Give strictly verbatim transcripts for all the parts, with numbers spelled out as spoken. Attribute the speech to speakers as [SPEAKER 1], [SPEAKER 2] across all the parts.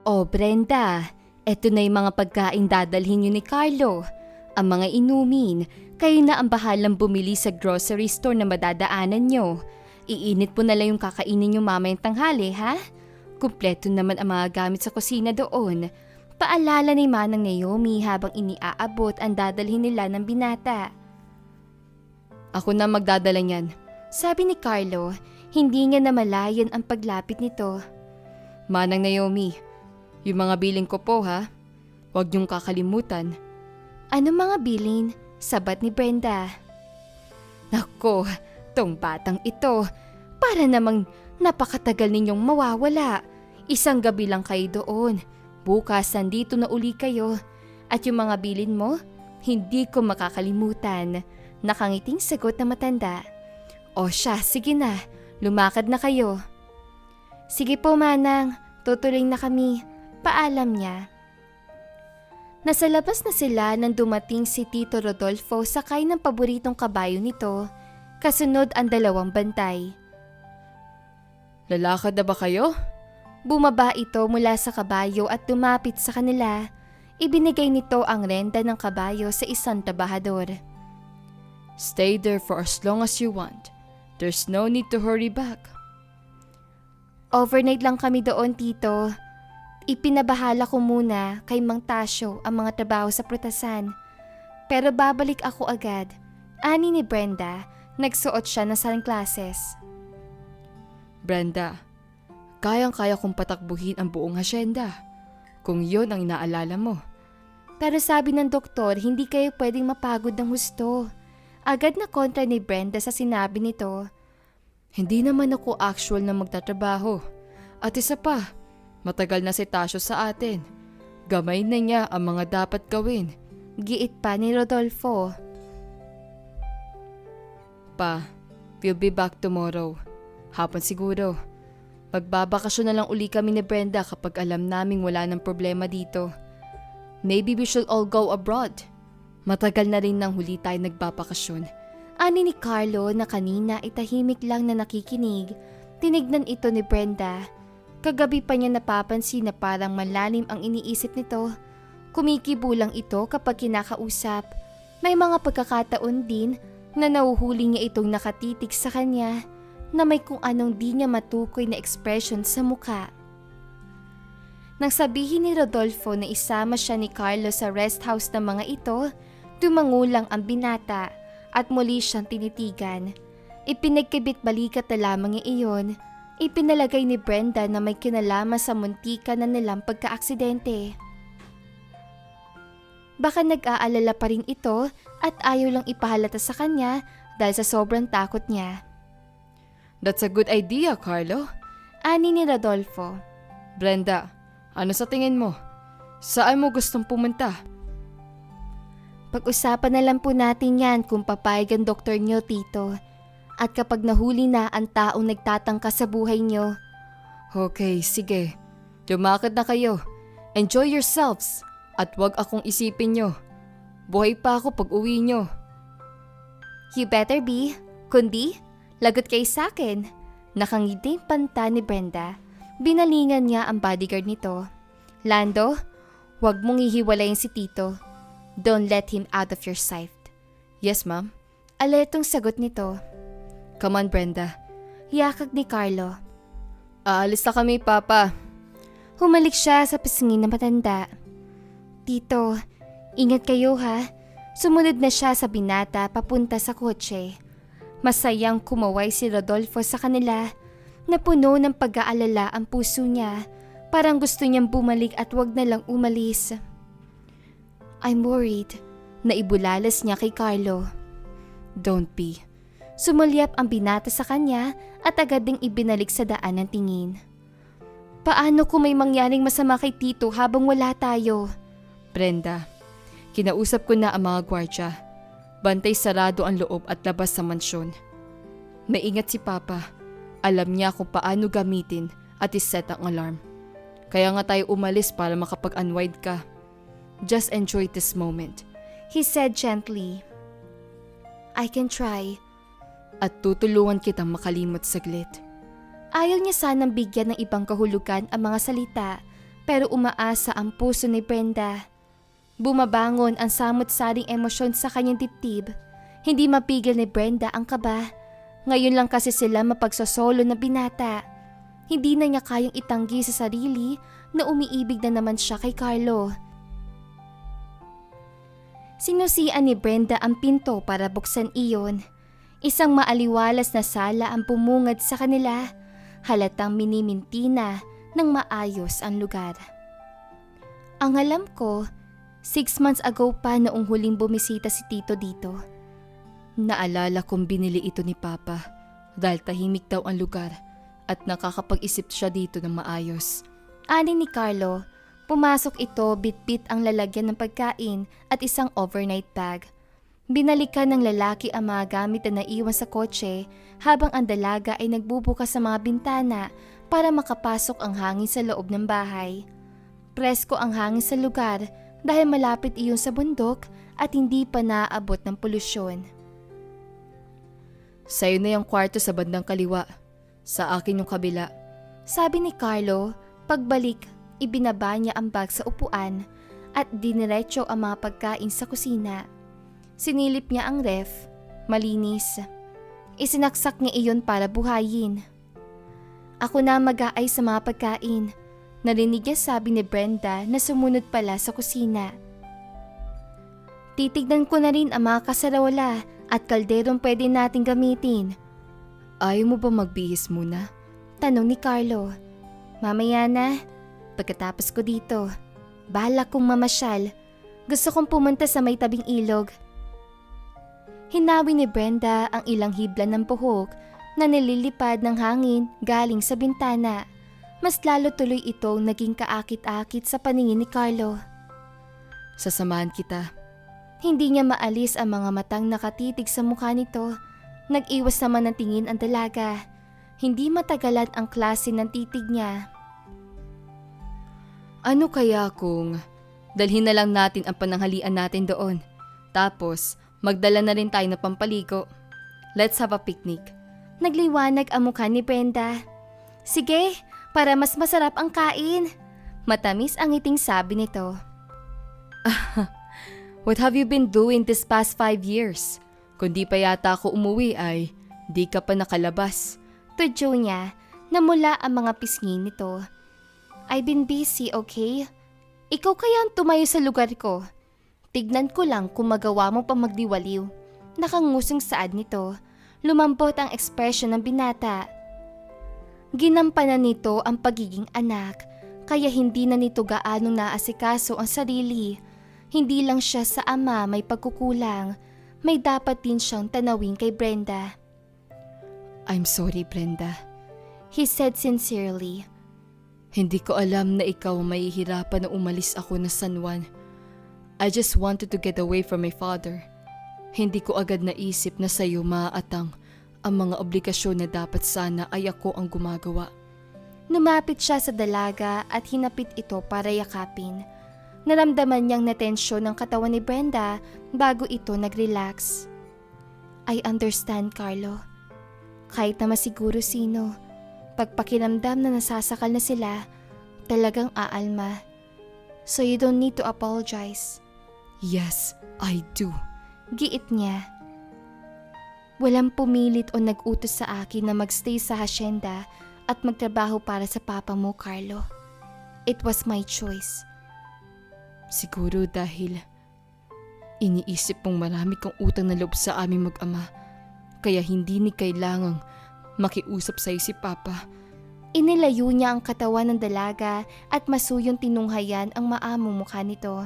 [SPEAKER 1] Oh Brenda, eto na yung mga pagkain dadalhin niyo ni Carlo. Ang mga inumin, kayo na ang bahalang bumili sa grocery store na madadaanan nyo. Iinit po na lang yung kakainin nyo mamayang tanghali, ha? Kumpleto naman ang mga gamit sa kusina doon. Paalala ni Manang Naomi habang iniaabot ang dadalhin nila ng binata. Ako na magdadala niyan, sabi ni Carlo, hindi niya namalayan ang paglapit nito. Manang Naomi, yung mga bilin ko po ha, huwag niyong kakalimutan. Ano mga bilin? Sabat ni Brenda. Nako, tong batang ito, para namang napakatagal ninyong mawawala. Isang gabi lang kayo doon. Bukas nandito na uli kayo. At yung mga bilin mo, hindi ko makakalimutan. Nakangiting sagot na matanda. O siya, sige na, lumakad na kayo. Sige po Manang, tutuloy na kami. Paalam niya. Nasa labas na sila nang dumating si Tito Rodolfo sakay ng paboritong kabayo nito. Kasunod ang dalawang bantay. Lalakad na ba kayo? Bumaba ito mula sa kabayo at lumapit sa kanila. Ibinigay nito ang renta ng kabayo sa isang trabahador. Stay there for as long as you want. There's no need to hurry back. Overnight lang kami doon, Tito. Ipinabahala ko muna kay Mang Tasyo ang mga trabaho sa prutasan. Pero babalik ako agad. Ani ni Brenda, nagsuot siya ng sunglasses. Brenda, kayang-kaya kong patakbuhin ang buong hasyenda kung yon ang inaalala mo. Pero sabi ng doktor, hindi kayo pwedeng mapagod ng husto. Agad na kontra ni Brenda sa sinabi nito. Hindi naman ako actual na magtatrabaho. At isa pa, matagal na si Tasyo sa atin. Gamay na niya ang mga dapat gawin. Giit pa ni Rodolfo. Pa, we'll be back tomorrow. Hapon siguro. Magbabakasyon na lang uli kami ni Brenda kapag alam naming wala ng problema dito. Maybe we should all go abroad. Matagal na rin nang huli tayo nagbabakasyon. Ani ni Carlo na kanina ay tahimik lang na nakikinig. Tinignan ito ni Brenda. Kagabi pa niya napapansin na parang malalim ang iniisip nito. Kumikibo lang ito kapag kinakausap. May mga pagkakataon din na nauhuli niya itong nakatitig sa kanya na may kung anong di niya matukoy na expression sa muka. Nang sabihin ni Rodolfo na isama siya ni Carlo sa rest house ng mga ito, tumangulang ang binata at muli siyang tinitigan. Ipinagkibit balikat na lamang niya iyon. Ipinalagay ni Brenda na may kinalaman sa muntika na nilang pagkaaksidente. Baka nag-aalala pa rin ito at ayaw lang ipahalata sa kanya dahil sa sobrang takot niya. That's a good idea, Carlo. Ani ni Rodolfo. Brenda, ano sa tingin mo? Saan mo gustong pumunta? Pag-usapan na lang po natin yan kung papayag ang doktor niyo, Tito. At kapag nahuli na ang taong nagtatangka sa buhay niyo. Okay, sige. Lumakad na kayo. Enjoy yourselves. At wag akong isipin niyo. Buhay pa ako pag uwi niyo. You better be. Kundi, lagot kayo sa akin. Nakangiting panta ni Brenda. Binalingan niya ang bodyguard nito. Lando, wag mong hihiwalayin si Tito. Don't let him out of your sight. Yes, ma'am. Alertong sagot nito. Come on, Brenda. Yakag ni Carlo. Aalis na kami, Papa. Humalik siya sa pisngin na matanda. Tito, ingat kayo ha. Sumunod na siya sa binata papunta sa kotse. Masayang kumaway si Rodolfo sa kanila. Napuno ng pag-aalala ang puso niya. Parang gusto niyang bumalik at wag na lang umalis. I'm worried. Naibulalas niya kay Carlo. Don't be. Sumulyap ang binata sa kanya at agad ding ibinalik sa daan ng tingin. Paano kung may mangyaring masama kay Tito habang wala tayo? Brenda, kinausap ko na ang mga gwardya. Bantay sarado ang loob at labas sa mansyon. Maingat si Papa. Alam niya kung paano gamitin at iset ang alarm. Kaya nga tayo umalis para makapag-unwind ka. Just enjoy this moment, he said gently. I can try. At tutulungan kitang makalimot saglit. Ayaw niya sanang bigyan ng ibang kahulugan ang mga salita, pero umaasa ang puso ni Brenda. Bumabangon ang samot-saring emosyon sa kanyang dibdib. Hindi mapigil ni Brenda ang kaba. Ngayon lang kasi sila mapagsosolo na binata. Hindi na niya kayang itanggi sa sarili na umiibig na naman siya kay Carlo. Sinusian ni Brenda ang pinto para buksan iyon. Isang maaliwalas na sala ang pumungad sa kanila. Halatang miniminti na ng maayos ang lugar. Ang alam ko, six months ago pa noong huling bumisita si Tito dito. Naalala kong binili ito ni Papa dahil tahimik daw ang lugar at nakakapag-isip siya dito ng maayos. Ani ni Carlo, pumasok ito bit-bit ang lalagyan ng pagkain at isang overnight bag. Binalikan ng lalaki ang mga gamit na naiwan sa kotse habang ang dalaga ay nagbubukas sa mga bintana para makapasok ang hangin sa loob ng bahay. Presko ang hangin sa lugar dahil malapit iyon sa bundok at hindi pa naaabot ng polusyon. Sa'yo na yung kwarto sa bandang kaliwa. Sa akin yung kabila. Sabi ni Carlo, pagbalik, ibinaba niya ang bag sa upuan at diniretso ang mga pagkain sa kusina. Sinilip niya ang ref, malinis. Isinaksak niya iyon para buhayin. Ako na mag-aay sa mga pagkain. Narinig niya sabi ni Brenda na sumunod pala sa kusina. Titignan ko na rin ang mga kasarola at kalderong pwede nating gamitin. Ayaw mo ba magbihis muna? Tanong ni Carlo. Mamaya na. Pagkatapos ko dito, bahala kong mamasyal. Gusto kong pumunta sa may tabing ilog. Hinawi ni Brenda ang ilang hibla ng buhok na nililipad ng hangin galing sa bintana. Mas lalo tuloy itong naging kaakit-akit sa paningin ni Carlo. Sasamahan kita. Hindi niya maalis ang mga matang nakatitig sa mukha nito. Nag-iwas naman ng tingin ang dalaga. Hindi matagalan ang klase ng titig niya. Ano kaya kung dalhin na lang natin ang pananghalian natin doon? Tapos magdala na rin tayo ng pampaligo. Let's have a picnic. Nagliwanag ang mukha ni Brenda. Sige, para mas masarap ang kain. Matamis ang ngiting sabi nito. What have you been doing this past five years? Kung di pa yata ako umuwi ay di ka pa nakalabas. Tudyo niya na mula ang mga pisngi nito. I've been busy, okay? Ikaw kaya ang tumayo sa lugar ko. Tignan ko lang kung magawa mo pa magdiwaliw. Nakangusong saad nito. Lumambot ang ekspresyon ng binata. Ginampanan nito ang pagiging anak, kaya hindi na nito gaanong naasikaso ang sarili. Hindi lang siya sa ama may pagkukulang, may dapat din siyang tanawin kay Brenda. I'm sorry, Brenda, he said sincerely. Hindi ko alam na ikaw mahihirapan na umalis ako na San Juan. I just wanted to get away from my father. Hindi ko agad naisip na sa'yo maaatang ang mga obligasyon na dapat sana ay ako ang gumagawa. Lumapit siya sa dalaga at hinapit ito para yakapin. Naramdaman niyang natensyon ng katawan ni Brenda bago ito nag-relax. I understand, Carlo. Kahit na masiguro sino, pagpakiramdam na nasasakal na sila, talagang aalma. So you don't need to apologize. Yes, I do. Giit niya. Walang pumilit o nag-utos sa akin na magstay sa hasyenda at magtrabaho para sa papa mo, Carlo. It was my choice. Siguro dahil iniisip mong marami kang utang na loob sa aming mag-ama, kaya hindi ni kailangang makiusap sa'yo si Papa. Inilayo niya ang katawan ng dalaga at masuyong tinunghayan ang maamong mukha nito.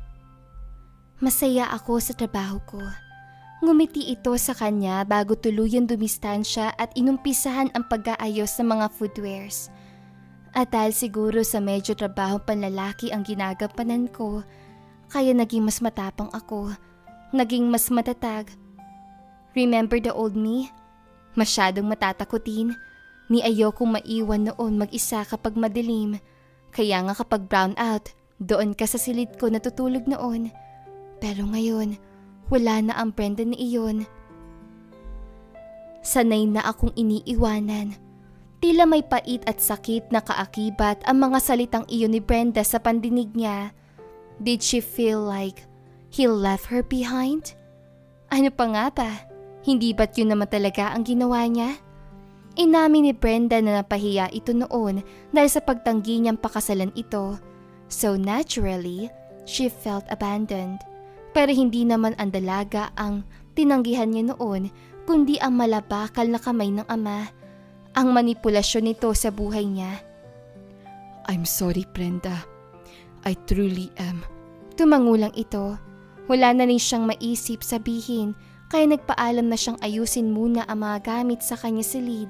[SPEAKER 1] Masaya ako sa trabaho ko. Ngumiti ito sa kanya bago tuluyan dumistansya at inumpisahan ang pag-aayos ng mga footwears. At dahil siguro sa medyo trabaho panlalaki ang ginagampanan ko, kaya naging mas matapang ako, naging mas matatag. Remember the old me? Masyadong matatakutin. Ni ayokong maiwan noon mag-isa kapag madilim. Kaya nga kapag brown out, doon ka sa silid ko natutulog noon. Pero ngayon, wala na ang Brenda ni iyon. Sanay na akong iniiwanan. Tila may pait at sakit na kaakibat ang mga salitang iyon ni Brenda sa pandinig niya. Did she feel like he left her behind? Ano pa nga ba? Hindi ba't yun naman talaga ang ginawa niya? Inamin ni Brenda na napahiya ito noon dahil sa pagtanggi niyang pakasalan ito. So naturally, she felt abandoned. Pero hindi naman ang dalaga ang tinanggihan niya noon, kundi ang malabakal na kamay ng ama. Ang manipulasyon nito sa buhay niya. I'm sorry, Brenda. I truly am. Tumangulang ito. Wala na rin siyang maisip sabihin, kaya nagpaalam na siyang ayusin muna ang mga gamit sa kanya silid.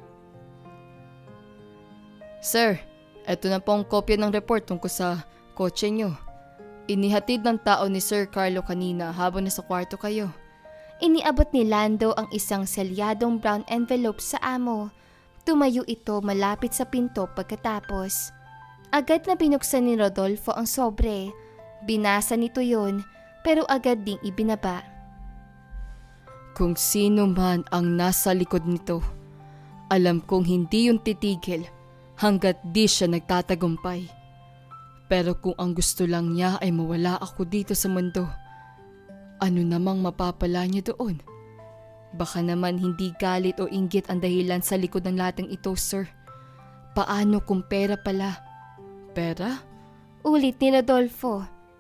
[SPEAKER 1] Sir, eto na po ang kopya ng report tungkol sa kotse niyo. Inihatid ng tao ni Sir Carlo kanina habang nasa kwarto kayo. Iniabot ni Lando ang isang selyadong brown envelope sa amo. Tumayo ito malapit sa pinto pagkatapos. Agad na binuksan ni Rodolfo ang sobre. Binasa nito yon, pero agad ding ibinaba. Kung sino man ang nasa likod nito, alam kong hindi yung titigil hanggat di siya nagtatagumpay. Pero kung ang gusto lang niya ay mawala ako dito sa mundo, ano namang mapapala niya doon? Baka naman hindi galit o inggit ang dahilan sa likod ng lahat ng ito, sir. Paano kung pera pala? Pera? Ulit ni Rodolfo.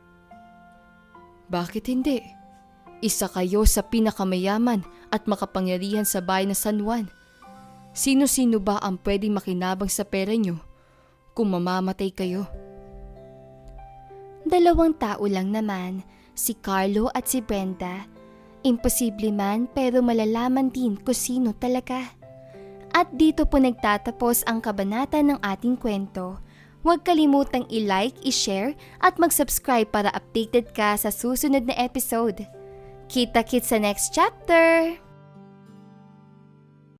[SPEAKER 1] Bakit hindi? Isa kayo sa pinakamayaman at makapangyarihan sa bayan ng San Juan. Sino-sino ba ang pwedeng makinabang sa pera niyo kung mamamatay kayo? Dalawang tao lang naman, si Carlo at si Brenda. Imposible man pero malalaman din kung sino talaga. At dito po nagtatapos ang kabanata ng ating kwento. Huwag kalimutang i-like, i-share at mag-subscribe para updated ka sa susunod na episode. Kita-kits sa next chapter!